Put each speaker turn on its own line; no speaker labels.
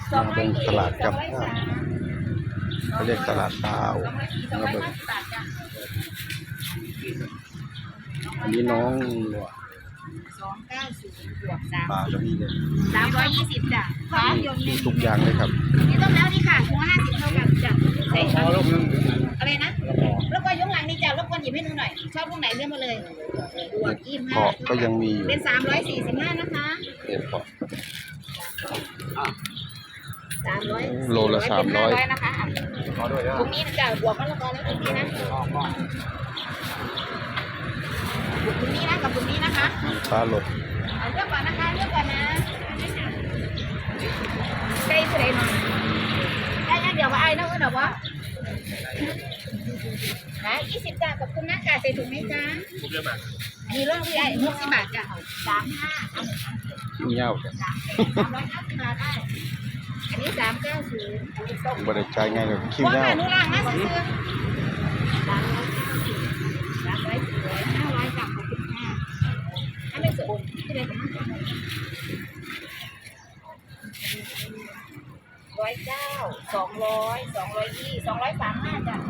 มาเบิ่งตลาดกับข้าวเขาเรียกตลาดดาวมาเบิ่งอันนี้น้องหลวง
290บวก
ปลาก็มีเลย
320จ้ะฟ้ายน
มีทุกอย่างเลยครับ
นี่ต้มแล้วนี่ค่ะถุงละ50เท่ากันจ้ะใส่ค่ะอะไรนะแล้วก็ยกหลังนี่จ้ะรบกวนหยิบให้หนูหน่อยชอบลูกไหนเลือกมาเลยบวก
เกาะก็ยังมีอยู่
เป็น345นะคะ
เห็ดเกาะ
300
โลละ300
นะคะตรงนี้จ้ะบวกมะละกอแล้วตรงนี้นะบวกตรงนี้นะกับตรงนี้นะคะ
ปลาหลด
เอาเลือกก่อนนะคะเลือกก่อนนะใกล้สุดเลยหน่อยได้เดี๋ยวว่าไอ้น้องเดี๋ยวว่าขาย20จ้ะขอบคุณนะค่ะใส่ถุงไหมจ๊ะมีเรื่องที่ไอ้60 บาทจ้ะ35
เงี้ยว
350 บาทได้อันนี้390อันนี้ส้ม
บริจาคง่ายเลยคิว
ว่า
เงี้ย
ค่ะ
ว
หนูล่างนะซื้อ300 กับขอบคุณค่ะถ้าไม่สมที่ไหนกัน109 200 220 235จ้ะ